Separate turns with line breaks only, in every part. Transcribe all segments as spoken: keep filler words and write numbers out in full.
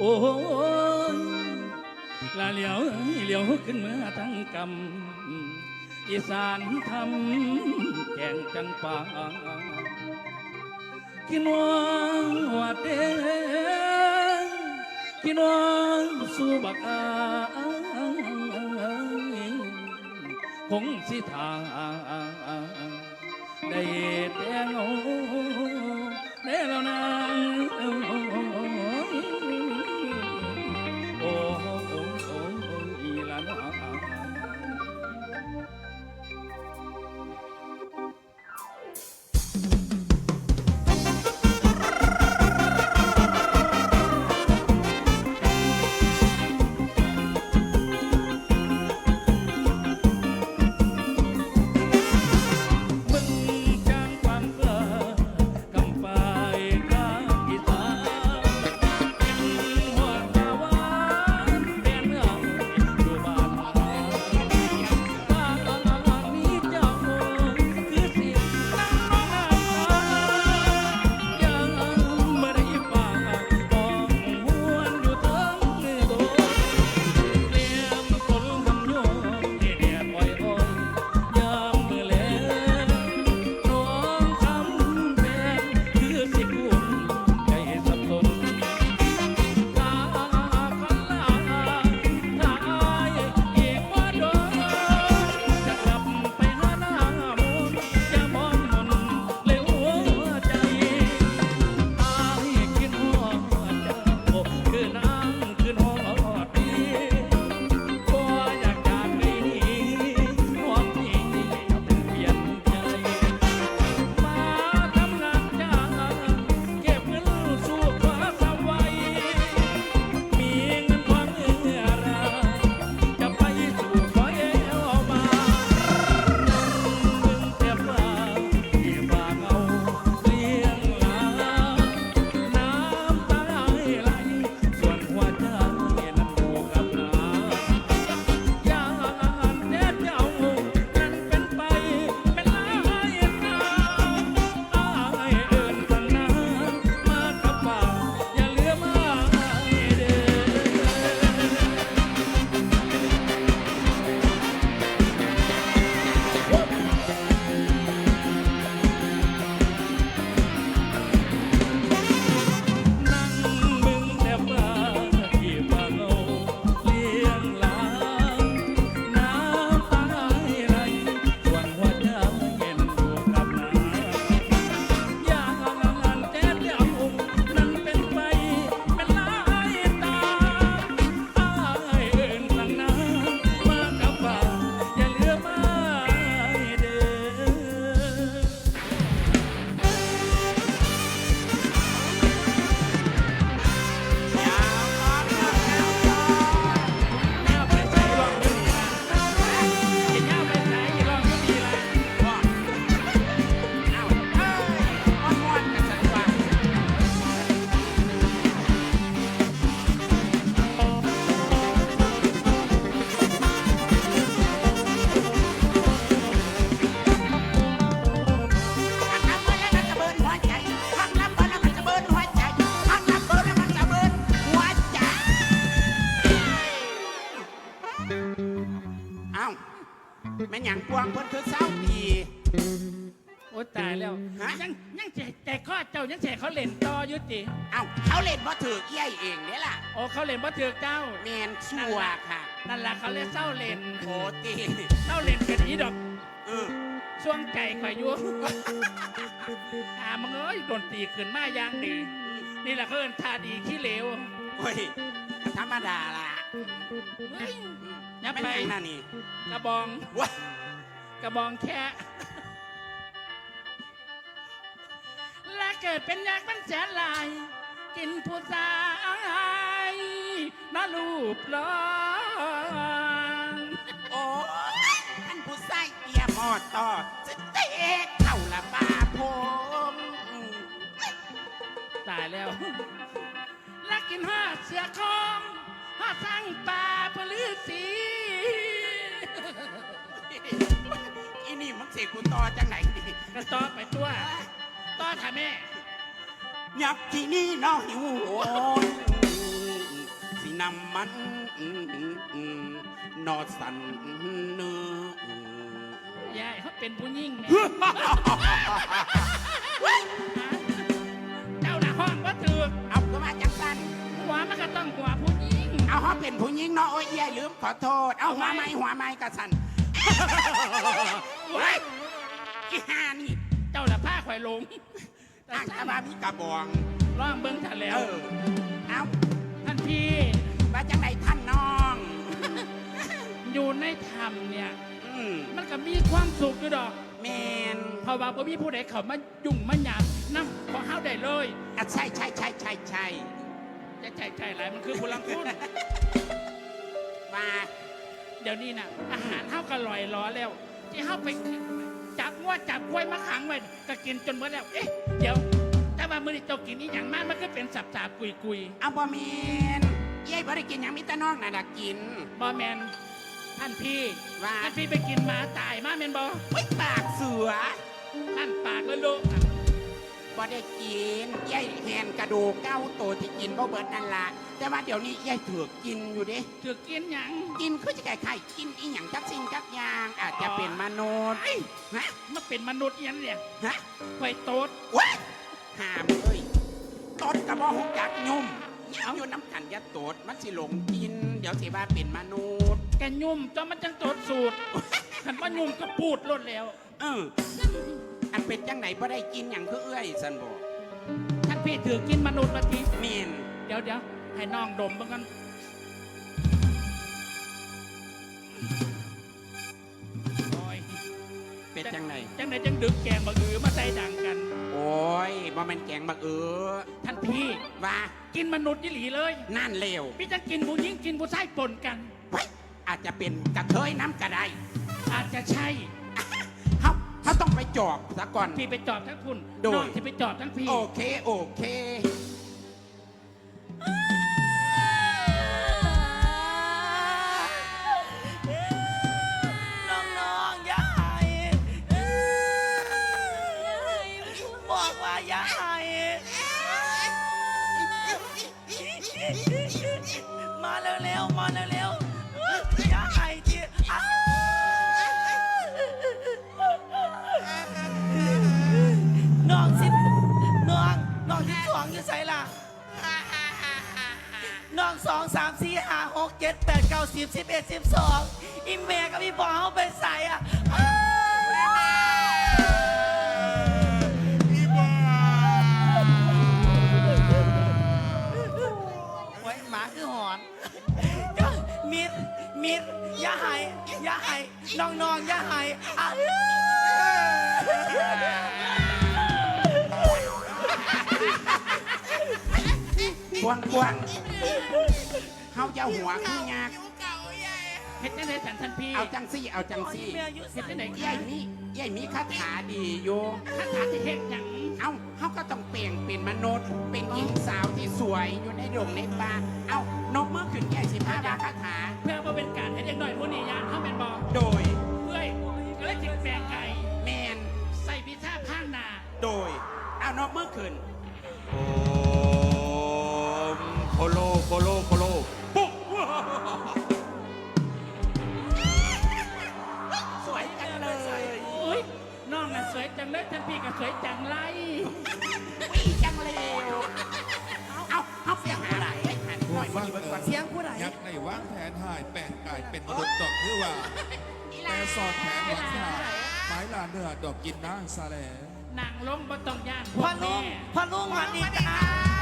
ยลาเหลียวเหลียวขึ้นเมื่อทั้งกำอีสานทำแกงจังป่ากินวังวัดเดกินวังสู่บักอาคงสิทาได้แต่เงาได้แล้วนางโอ้โอ้โอ้โอ้อีหลาน
แม่หยังกวางเพิ่นคือเศร้าดี
โอ้ตายแล้วยังยังแต่ข้อเจ้ายังแฉเขาเล่นต่อยุติ
เอ้าเขาเล่นบ่ถือเอี้ยเองเนี่ยล่ะ
โอ้เขาเล่นบ่ถือเจ้า
แมนชัวค่ะ
นั่นแหละเขาเล่นเศร้าเล่น
โอ้ตี
เศร้าเล่นกันอีดอก
เออ
ช่วงใจข่อยยั่วอ่ามึงเอ้ยโดนตีขึ้นมาอย่างดีนี่แหละเขาเอิ้นท่าดีขี้เหลว
โอ้ยธรรมดาล่ะ
ยับไป
น่ะนี่
กระบอง
วะ
กระบองแค่และเกิดเป็นยักษ์เป็นแสนลายกินผู้ชายน่ารูปหล่อ
โอ้ยท่านผู้ชายเอียมอดต่อจะเตะเข่าละบาพง
ตายแล้วและกินห้าเสือคองห้าสั่งป่าพลือสี
อีนี่มึงเสกกูต่อจังไหนดิ
กระต่อไปตัวต่อค่ะแม่
ยับที่นี่น้องหิวโหยน้ำมันนอสันเนื้อย
ายเขาเป็นผู้หญิงแหม่เจ้าหน้าห้องว่าถือ
เอาก็มาจังสัน
หัวมันก็ต้องหัวผู้หญิง
เอาเขาเป็นผู้หญิงเนาะโอ้ยยายลืมขอโทษ เอาหัวไม้หัวไม้กระสันเฮ้ยกี่หานี่
เจ้าละผ้าข่อยหลง
ตั้งอาบามีกระบอง
ร่องเบิ้งถ่าแล้
เอ
ว
อเอา
ท่านพี่
ว่าจังไหนท่านน้อง
อยู่ในถ้ำเนี่ย
อืม
มันก็มีความสุขอยู่ดอก
แมน
เพราะว่าบ่มีผู้ใดเข้ามายุ่งมาหยาบน้ำขอเฮาได้เลย
อ่ะใช่ใช่ใช่ใช่ใช่
จะใจใจหลายมันคือพลังคุณ
ว่า
เดี๋ยวนี้น่ะ อาหารเฮาก็ลอยล้อแล้ว ที่เฮาไปจับงัวจับกล้วยมาขังไว้ก็กินจนหมดแล้ว เอ๊ะเดี๋ยวแต่ว่ามื้อนี้เจ้ากินนี่อย่างมากมันก็เป็นสับสาบกุยกุย
เอาบ่แมนยายบ่ได้กินหยังมิตรน้องน่ะดักกิน
บ่แมนท่านพี่
ว่า
ท่านพี่ไปกินหมาตายมาแมนบ่
ไว้ปากเสือ
ท่านปากแล้วลูก
บ่ได้กินยายแหนกระดูกเก้าตัวที่กินบ่เบิดนั่นล่ะแต่ว่าเดี๋ยวนี้ยายถือกกินอยู่เด้
ถือกินหยัง
กินคือจะไก่ไข่กินอีหยังจักสิ่งจักอย่างอาจจะเป็นมนุษย์ฮะ
มันเป็นมนุษย์อยังเนี่ย
ฮะ
ไฟโตด
ว้าหามเลยตดกระบอกหกจักยุ่มเอาอยู่น้ำกันยัดตดมันสิหลงกิน เดี๋ยวสิว่าเป็นมนุษย์
แกยุ่มจนมันจังโตดสูตรขันว่ายุ่มก็ปูดลดแล้ว
เอออันเป็นจังไหนบ่ได้กินอย่างคือเอื้อยสันบอก
ท่านพี่ถือกินมนุษย์มาที
เมน
เดี๋ยวเดี๋ยวให้น้องดมบ้างกันโอ้ย
เป็นจังไหน
จังไหนจังดึกแกงบักอือมาใส่ดังกัน
โอ้ยบ่แมันแกงบักเออ
ท่านพี่
ว่า
กินมนุษย์ยี่หลีเลย
นั่นเลว
พี่จะกินผู้หญิงกินผู้ชายปนกัน
เฮ้ยอาจจะเป็นกระเทยน้ำกระได
อาจจะใช่
เขาเขาต้องไปจอบซะก่อน
พี่ไปจอบทั้งคุณ
โดย
น้องที่ไปจอบทั้งพี่
โอเค โอเค
น้องๆอย่าให้บอกว่าอย่าให้มาเร็วๆมาเร็วๆอย่าให้ที่อ้าวน้องสิน้องน้องที่สองอยู่ใส่ล่ะน้องสองสามสี่ห้าหกเจ็ดแปดเก้าสิบสิบเอ็ดสิบสองอีเมย์กับพี่บอลเขาไปใส่อ่ะอ้าวโอ้ยหมาคือหอนมิดมิดอย่าให้อย่าให้น้องๆอย่าให้อ่ะ
กวงกวงเขาจะหัวขี้ยาก
เฮ็ดจังไดสันท่านพี่
เอาจังซี่ เอาจังซี่
เฮ็ดจังได
ยายมียายมีคาถาดีอยู่
คาถาที่เฮ็ดหยัง
เอาเขาก็ต้องเปลี่ยนเป็นมนุษย์ เป็นหญิงสาวที่สวยอยู่ในดงในป่าเอานกมือขึ้นยายสิพาดาคาถา
เพื่อว่าเป็นการให้เด็กน้อยผู้นี้ยานเข้าเป็นบ่
โดย
เพื่อยก็เลยจิตแปลงไก่
แมน
ใส่พิซซ่าข้างหน้า
โดย เอานกมือขึ้น
โอมโคโลโคโลโคโลปุ๊บ
สวยจังเลย
อุ้ยน้องน่ะสวยจังเลยท่านพี่ก็สวยจังไร
วิ่งจังเลยเอาเอาเสียหาอะไรหันหน่อยมาอยู่บนก่อน
เสียงผู้ใด
ยักษ์ในวางแผนหายแปลงกายเป็นมนุษย์ดอกคือว่า แต่สอดแผนหวังขาไม้ลาเนื้อดอกกินนางซาแหล
นางลงบ่ต้องย่านพ
พ่
ว
อก ลุ
แม่
งพ่อลุงมาดีจ้า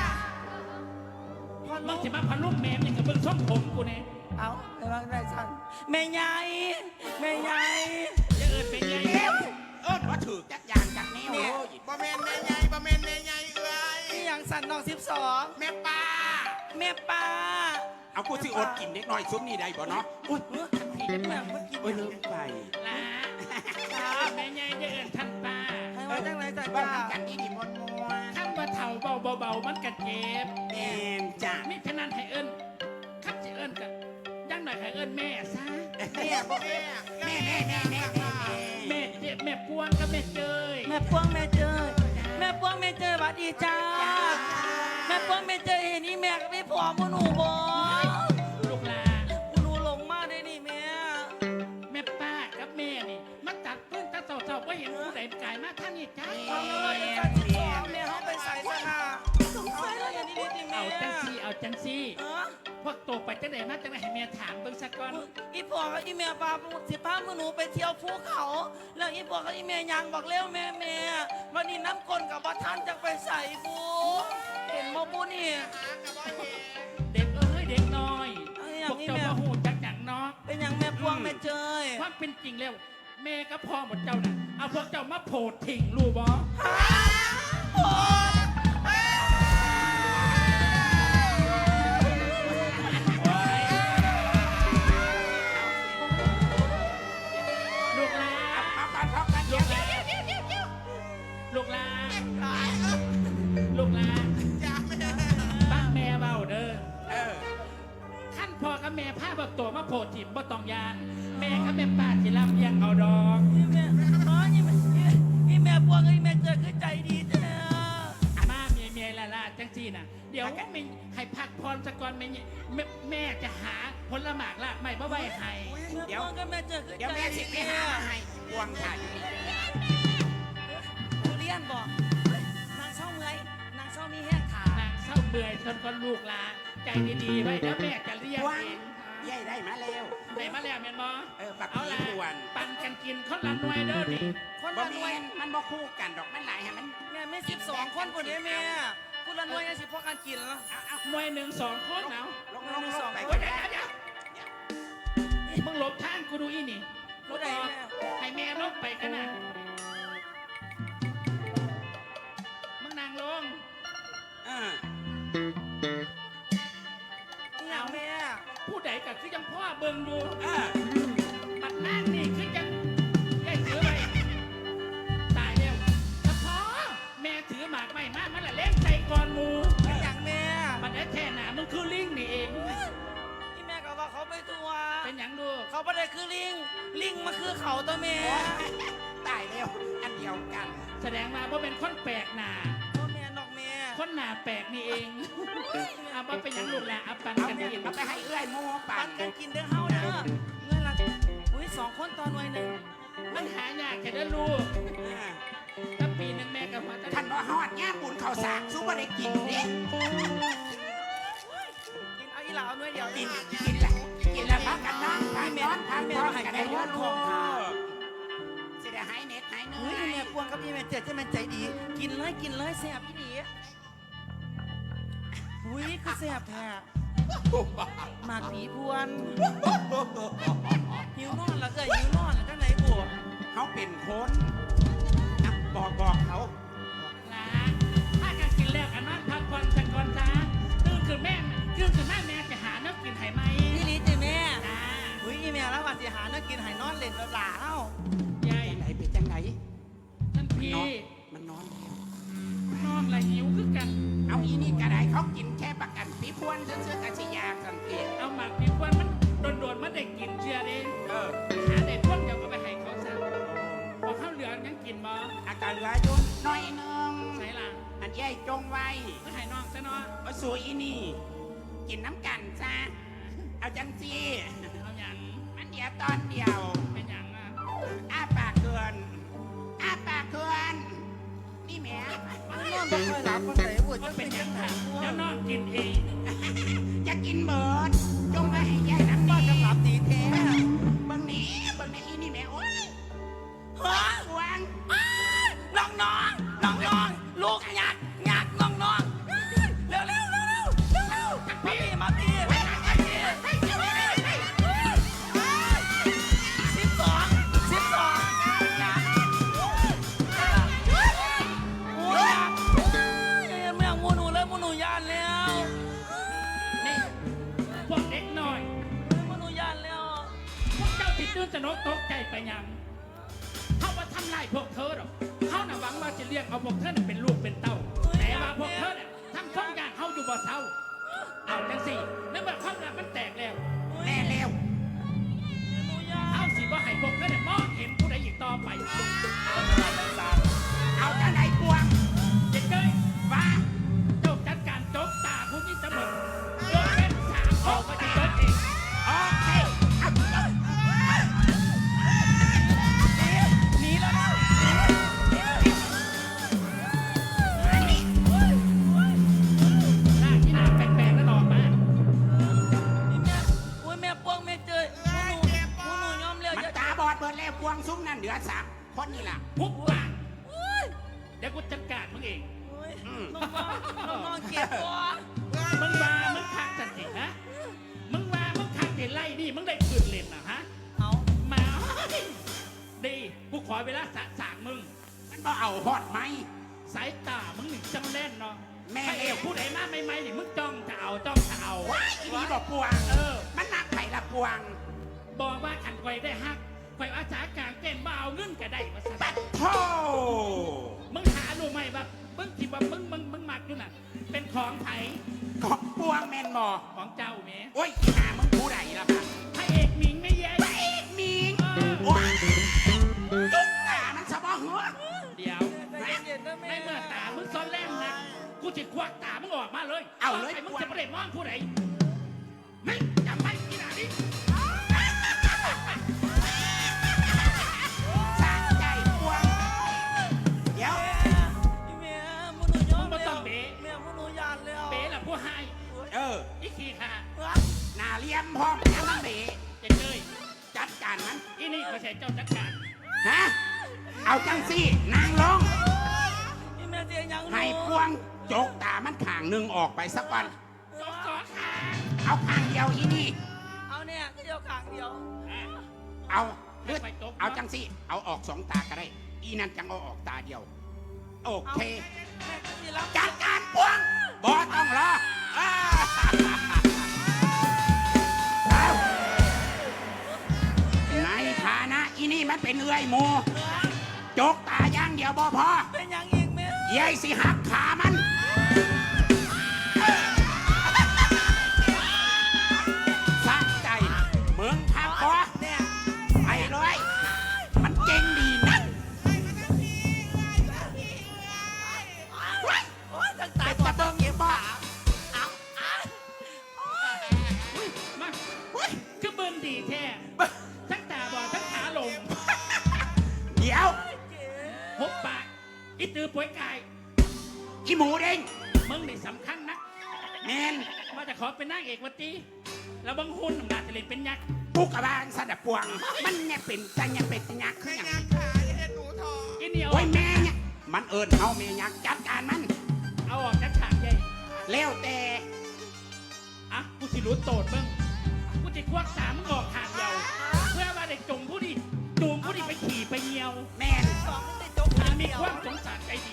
พ่อ
มึ
ลุ
ง
ง
สิมาพันลูกแม่มึงกับเบิ่งส้มผมกูเนี่ย
เอาแต่ว่าได้ฉันแม่ใหญ่แม่ใหญ่
จะเอินเป็นไง
เอิ้นว่าถือจักอย่างจากแนวโอ้ย
บ่แม่นแม่ใหญ่บ่แม่นแม่ใหญ่เอ้ย
นี่อย่างสันน้องสิบสอง
แม่ป้า
แม่ป้า
เอากูสิอดกินเด็กน้อยซุ้มนี่ได้บ่เนาะอุ้ย
พี่จะแม่เมื่อกี้
โอ้ยลืมไป
ลาแม่ใหญ่จะเอินท่านป้า
ให้ว่าจังไรจ้ะ
บ้า
จ้า
กันดีดีมวนมวน
ข้ามว่าเถ่าเบาเบาๆมันกัดเจ็บ
แมนจ้ะ
มิฉะนั้นให้เอินข้ามจะเอินกันยังหน่อยให้เอินแม่ซะ
แม่บ่แม่แม่แม่แม่แม่แม่
แม่เจ็บแม่ปวงกับแม่เจย
แม่พวงแม่เจยแม่พวงแม่เจยสวัสดีจ้าแม่พวงแม่เจยเห็นนี่แม่กับพี่ผอมหนูบ่
เห็นผู้ใดกายมาท่านนี่จ้า
เอาเลยเดี๋ยวการจิตสองแม่เขาไปใส่สนาสงสัยแล้วอย่างนี้ดีๆแม่
เอาจังซี่เอาจังซี่
เออ
พวกโตไปจังไหนมาจังไหนให้แม่ถามเบิ่งสักก่อน
อีพ่อกับอีแม่พาสิพามือหนูไปเที่ยวภูเขา แล้วอีพ่อกับอีแม่ยังบอกเร็วแม่แม่วันนี้น้ำกลกับบัทันจะไปใส่บูเห็นบ่บูนี่
เด็กเอ้ยเด็กน้อย
เอาอย่า
พ
ง
วก
นี้
เจ้า
แม่
มาหูจักหยังเนาะ
เป็นอย่างแม่พวงแม่เจย
ความเป็นจริงแล้ว แม่กับพ่อหมดเจ้าน่ะเอาพวกเจ้ามาโผดทิ้งรู้บ่
โอ้ย
ลูกหลา
เอาเอากันเอากันเดี๋ยวเดี๋ยวเดี๋ยวเดี๋ยวเดี๋ยวเดี๋ยว
ลูกหลาลูกหลา
จ้าแม่
บ้านแม่เบาเด้อ
เออ
ขั้นพ่อกับแม่พาบักตัวมาโผดถิ่มบ่ต้องยานแม่กับแม่ป้าสิรับเลี้ยงเอาดอก
อีแม่อ๋ออีแม่อีแม่พวงกับอีแม่เจยคือใจดีแท้
มาเมียเมียละละจังซี่น่ะเดี๋ยวไม่ให้พักพรสักก่อนแม่แม่แม่จะหาผลหมากละไม่บ่ไว้ให้
แม่พวงกับแม่เจยคือ
เดี๋ยว
ใจ
แม่สิ
ดี
ไปหามาให้พวงค่ะอยู่นี่
ทุเรียนบอกนางเศร้าเมื่อยนางเศร้ามีแห้งขาน
างเศร้าเบื่อจนคนลูกลาใจดีๆไว้เดี๋ยวแม่จะเรียก
พวง
เอง
ยายได้มาแล้ว
ได้มาแล้วแม่นบ่
เออบัก
เอา
ผี
ล่ะ
พวน
ปันกันกินคนละหน่วยเด้อนี่
คน
บ่
ละหน่
แม่
วย
นมันบ่คู่กันดอกมันหลายให้มัน
แม่ไม่สิบสองคนคนนี้แม่คนละหน่วยยังสิพอกันกินแล้ว
เอาเอา
หน่วยหนึ่งสองคนเอา
ลงลงลงไป
โอ้ยเดี๋ยวเดี๋ยวเดี๋ยวมึงหลบทางกูดูอีนี่
ผู้ใดแม่
ให้แม่ลงไปกันนะมึงนางลง
เออ
นี่อย่างแม่
ผู้ใดก็คือยังพ่อเบิ่งอยู่
เออ
บัดนางนี่คือยังยายถือไปตายแล้วถ้าพ่อแม่ถือหมากไม่มากมันละเล่นใจก่อนหมู
นี่อย่างแม่
มันได้แท่หนามึงคือลิงนี่เอง
ที่แม่ก็ว่าเขาไปทัวร์
เป็นหยังดู
เขาไม่ได้คือลิง ลิงมาคือเขาตัวแม่
ตายแล้วอันเดียวกัน
แสดงมาว่าเป็นคนแปลกหนา
ตัวแม่นอกแม่
คนหนาแปลกนี่เองเอาว่าเป็นหยังลูกแหละเอาปัน
เอา
กัน
เนี่ย
กิน
เอาไปให้เอื้อยหมูปั่
ปั
น
นกันกินเด้อเฮาเด้อเงินละอุ้ยสองคนตอนหน่วยหนึ่ง
มันหายากแค่ได้ลูก
เออ
ถ้าปีหนึงแม่กับพ่อจะ
ท่านบ่ฮอดย่าบุญข้าวสากสู้บ่ได้กินเด้
กินเอาอีหลาเอาหน่วยเดียว
กิ
กิ
น
น
กินละกินละพักกันนอนพักนอนพักนอนกันได้เยอะลูกสิได้หายเหน็ดหายเหนื่
อุ้ย
อย
แม่พวงกับอีแม่เจ็ดจะแม่ใจดี กินเลยกินเลยแซ่บอีหลีอุ้ยคือแซ่บแท้หมากผีพวนหิวนอนแล้วเอ้ยหิวนอนแล้วก็ไหนบว
เขาเป็นคนอ่ะบอกบอกเขา
ลาถ้ากันกินแล้วกันนอนพักผ่อนสักก่อนจ้าตื่นขึ้นแม่ตื่นขึ้นแม่แม่จะหาเนื้อกินไห้ไหม
พี่ลีจีแม่
จ้า
อุ้ยอีแม่แล้วว่าสิหาเนื้อกินใหายนอนเล่นแล้วหลาเอ้าย
าย
จังไหนเป็นจังไหน
ท่านพี่
นอนมันนอนแล้ว
นอนละหิวคือกัน
เอาอีนี่กระไดเขากินแค่ประกันปีพวนเสื้อๆกะสิยาสันติ
เอาหมากปีกวนมันโดนๆมันได้กินเชื่อเด้
เออ
หาได้พวกเดียวก็ไปให้เขาซะพอข้าวเหลืองยังกินบ่
อาการเหลืออยุ่นน้อยหนึง
ใส่หลัง
อันใหญ่จงไว้
ก็ให้น้องซะเนาะ
มาสู่อีนี่ กินน้ำกันซะเอาจังซี
เอาอย่าง
มันเดียวตอนเดียว
เป็นอย่างอ่ะ
อ้าปากเกินอ้าปากเกินนี่แหม่
นอนบ่ค่อยหลับคนไหนบวช
ก็
จะ
เป็
เป็น น
อ
ยั
ย่าง ง
ไง
นั้นเดี๋ยวน้องกินเอง
จะกินเบิดจงไปให้ใหญ่น้ำ
บ้า
ดี
จะหลับดีแท้
เบิ่งนี้เบิ่งนี้อีนี่แหม่โอ้ย
ฮะ
สวง
น้องน้องน้องน้องลูกหยักหยักน้องน้องเร็วเร็วเร็วเร็วเร็วเร็วมาพี่มาพี่มาพี่สิบสองสิบสองหยักโอ้ยหยักยังไม่อยากมูหนูเลยมูหนูยานแล้ว
นี่พวกเด็กน้อย
มูหนูยานแล้ว
พวกเจ้าที่ตื่นสนกตกใจไปยังเขาว่าทำลายพวกเธอหรอกเขาน่ะหวังว่าจะเลี้ยงเอาพวกเธอน่ะเป็นลูกเป็นเต้า แต่ว่าพวกเธอน่ะทำช่องอย่างเขาอยู่บ่เศร้า เอาจังสินึกว่าความรักมันแตกแล้ว
แม่เร็ว
หนูยาน
เอาสิว่าให้พวกเธอเนี่ยมองเห็นผู้ใดอีกต่อไป
เอาจังไหนพวง
เด็กเจ้ย
ว่า
เจ้าจัดการจบตาผู้นี้เสมอยกเป็นสามข้อก็จะจบเอง
โอเคเอา
หนีแล้วนะหนีจ็บบัว
มึงว่ามึงคักจังสิฮะมึงว่ามึงคักเห็นไล่นี่มึงได้คืนเล่นนะฮะ
เอา
มาดีกูขอเวลาสะสางมึง
มันบ่เอาฮอดไหม
สายตามึงหนึ่งจังเล่นเนาะ
แม่
ใครเอวผู้ใดมาไม่ไม่นี่มึงจ้องจะเอาจ้องจะเอา
ว้ายอีนี่บอกปวง
เออ
มันนักไผ่ละปวง
บอกว่าขันไกวได้ฮักไกวอาสากลางเต้นบ่เอาเงินก็ได้มาซะ
ปัดโท
มึงหารู้ไหมว่ามึงคิดว่ามึงมึงมึงมักอยู่น่ะ เป็นของไผ
ของปวงแมนบอ
ของเจ้าเม
โอ้ยหามึงผู้ใดล่ะค่ะ
พระเอกหมิงไม่แย่
ไปอีกมีง
เออ
ว้ายจุกตามันสะบอหัว
เดี๋ยว
ใจเย็นๆนะแม่
ในเมื่อตามึงซ้อนแล่นนะกูจะควักตามึงออกมาเลย
เอาเลย
ไอ้มึงจะประเด็นมองผู้ใดไม่จำไว้ที่ไหนนี่
สะใจปวง เดี๋ยว
แม่มึงหนูยอมแล้วแม่มึงหนูยานแล้ว
เป๋ล่ะผู้ให้
เออ
อีขี้ค่ะ
หนาเลียมพร้อมยังมันเบ
จะเจย
จัดการมัน
อีนี่เขาใช้เจ้าจัดการ
ฮะ เอาจังสินางลง
นี่แม่เจียยัง
ให้ปวงจกตามันข้างหนึ่งออกไปสักวัน
จบสองค่ะ
เอาข้างเดียวอีนี่
เอาเนี่ยก็เดียวขางเดียว
เอาเลือดเอาจังสิ เอาออกสองตาก็ได้ อีนั่นจังเอาออกตาเดียว โอเค
แม่ก็สิรับ
จัดการปวงบอต้องรออ้าเอาในฐานะอีนี่มันเป็นเอื้อยหมูจกตาอย่างเดียวบอพอ
เป็นยังอีกแม่
ยายสิหักขามันสะใจเมืองทักบอ
เนี่ย
ไปเลย มันเก่งดีนัก
โอ๊ยตั้งตา
แต่
บอ
จะ
ด
เบิ่งเก็บบ่
เอาเอา
มาคือเบิ่งดีแท้ทั้งตาบอดทั้งขาลง
เดี๋ยว
เจ๊
หกปากอีตือป่วยกาย
อีหมูเด้ง
มึงนี่สำคัญนะ
แมน
มาจะขอเป็นนางเอกวัตีแล้วบังหุ่นอำนาจจะเล่นเป็นยักษ์
ปุกกระบาลสะดับปวง มันเนี่ยเป็นจังยังเป็นจังยักษ์คือ
ไม่
อย่าง
นางขาอย่าเห็นหนูทอ
อีเหนียว
โอ้ยแม่เนี่ยมันเอิญเอาแม่ยักษ์จัดการมัน
เอาออกจากฉากใหญ่
เลี้ยวแต่
อ่ะกูสิรู้โตดมึงกูจะควักตามึงออกขาดเดียวเพื่อว่าได้จงผู้ดีจูงผู้ดีไปขี่ไปเหี่ยว
แม่น
สองมันได้จก
มั
ขาน
มี
เดียว
ความสงสารใจดี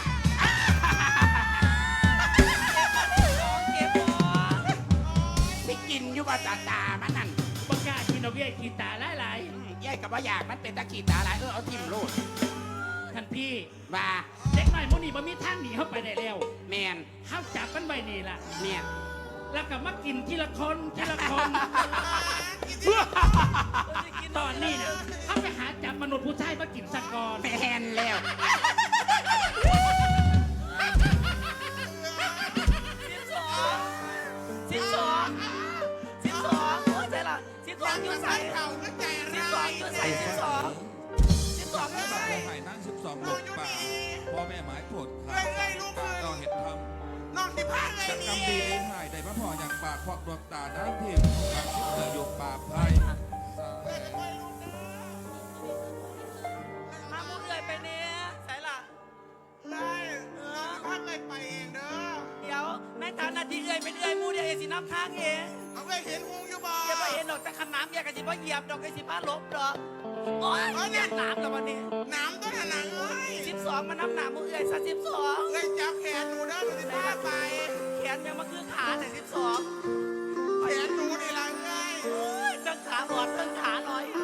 สองเก็บบัว
สิกินอยู่บ่ตาตามันนั่น
บังกล้ากินเอาเบี้ยขี่ตาหลาย
ยายกับว่าอยากมันเป็นตะขีตาหลายเออเอาทิมโลด
ๆท่านพี่
ว่า
เด็กน้อยมุนี่บ่มีทางหนีเข้าไปได้แล้ว
แมน
เข้าจับมันไว้นี่ล่ะ
เนี่ย
แล้วก็มากินทีละคนทีละคน ตอนนี้นะเขาไปหาจับมนุษย์ผู้ชายมากินสักก่อน
แมนแล้ว
สิบสองสิบสองสิบสองโอ้ยใช่ละสิบสองอยู่ใส่
เขาก็ใจ
สิบ
ร้า
สอง
ย
อยู่ใส่สิบสองสิบสองอยู่
สั
ใส่
ตว์ไห่นั่งสิบสองหลบป่าพ่อแม่หมายโกรธขาตาก็เห็นทำ
น้องสิพาเลย
จักกรรม
นี่
ดีไอ้หายได้มาพออย่างปากควักดวงตาน้ำทิพย์บางชุดเธออยู่ป่าไพร
มามุกเอื่อยไปเนี่ยใส่ละ
ได้เออพาเลยไปเองเด้อ
เดี๋ยวในฐานะที่เอื่อยเป็นเอื่อยมูเดียวเอสิน้ำทางเอง
เอาไปเห็นหงอยู่บ่
อย่าไปเห็นดอกแต่ขนามอย่ากระสิบ่เหยียบดอกกระสิบ้าลบดอกโอ้ยเหยียบน้ำแล้ววันนี้
น้ำต้นหนังเอ้ย
สิบสองมาน้ำหนามุกเอื่อยซะสิบสอง
เอ้ยจับแขนหนูเด้อหนูสิพาไป
แขนยังมาคือขาแต่สิบสอง
แขนหนูนี่ละเอ้ย
โอ้ยตั้งขาหลอดตั้งขาหน่อย